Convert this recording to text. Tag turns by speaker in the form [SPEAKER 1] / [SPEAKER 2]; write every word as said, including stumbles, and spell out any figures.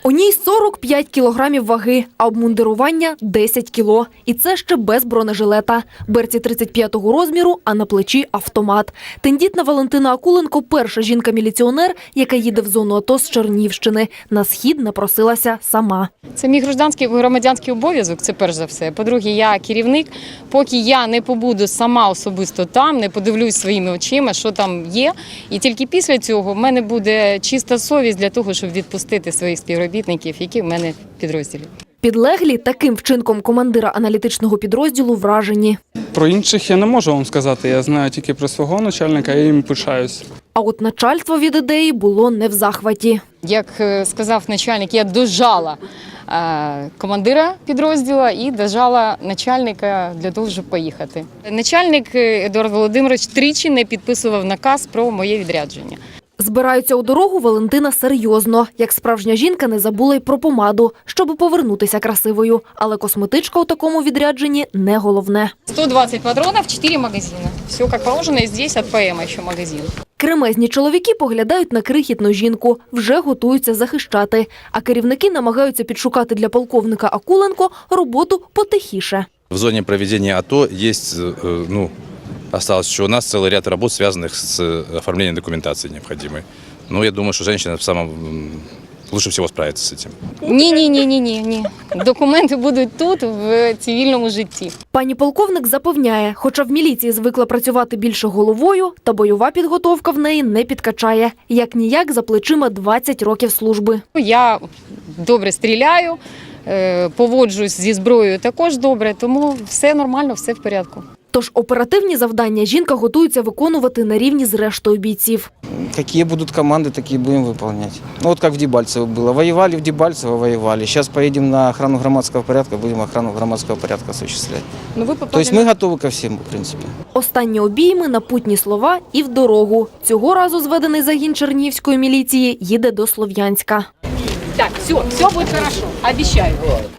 [SPEAKER 1] У ній сорок п'ять кілограмів ваги, а обмундирування – десять кіло. І це ще без бронежилета. Берці тридцять п'ятого розміру, а на плечі – автомат. Тендітна Валентина Акуленко – перша жінка-міліціонер, яка їде в зону АТО з Чернівщини. На схід напросилася сама.
[SPEAKER 2] Це мій громадянський, громадянський обов'язок, це перш за все. По-друге, я керівник. Поки я не побуду сама особисто там, не подивлюсь своїми очима, що там є. І тільки після цього в мене буде чиста совість для того, щоб відпустити своїх співробітників, які в мене в підрозділі.
[SPEAKER 1] Підлеглі таким вчинком командира аналітичного підрозділу вражені.
[SPEAKER 3] Про інших я не можу вам сказати, я знаю тільки про свого начальника, я їм пишаюсь.
[SPEAKER 1] А от начальство від ідеї було не в захваті.
[SPEAKER 2] Як сказав начальник, я дожала е, командира підрозділу і дожала начальника для того, щоб поїхати. Начальник Едуард Володимирович тричі не підписував наказ про моє відрядження.
[SPEAKER 1] Збираються у дорогу Валентина серйозно. Як справжня жінка не забула й про помаду, щоб повернутися красивою. Але косметичка у такому відрядженні не головне.
[SPEAKER 2] сто двадцять патронів, чотири магазини. Все як положено, і здесь від ПМ ще магазин.
[SPEAKER 1] Кремезні чоловіки поглядають на крихітну жінку, вже готуються захищати. А керівники намагаються підшукати для полковника Акуленко роботу потихіше.
[SPEAKER 4] В зоне проведения АТО есть, ну, осталось еще у нас целый ряд работ, связанных с оформлением документации необходимой. Ну, я думаю, что женщина в самом лучше всего справится с этим.
[SPEAKER 2] Ні, ні, ні, ні, ні, ні. Документи будуть тут, в цивільному житті.
[SPEAKER 1] Пані полковник запевняє, хоча в міліції звикла працювати більше головою, та бойова підготовка в неї не підкачає. Як-ніяк за плечима двадцять років служби.
[SPEAKER 2] Я добре стріляю, поводжусь зі зброєю також добре, тому все нормально, все в порядку.
[SPEAKER 1] Тож оперативні завдання жінка готується виконувати на рівні з рештою бійців.
[SPEAKER 5] Какие будут команды, такие будем выполнять. Ну, вот как в Дебальцево было. Воевали в Дебальцево, воевали. Сейчас поедем на охрану громадского порядка, будем охрану громадского порядка осуществлять.
[SPEAKER 2] Ну, ви попали
[SPEAKER 5] То есть мы готовы ко всему, в принципе.
[SPEAKER 1] Останні обійми, напутні слова і в дорогу. Цього разу зведений загін Чернігівської міліції їде до Слов'янська.
[SPEAKER 2] Так, все, все буде хорошо, обіцяю.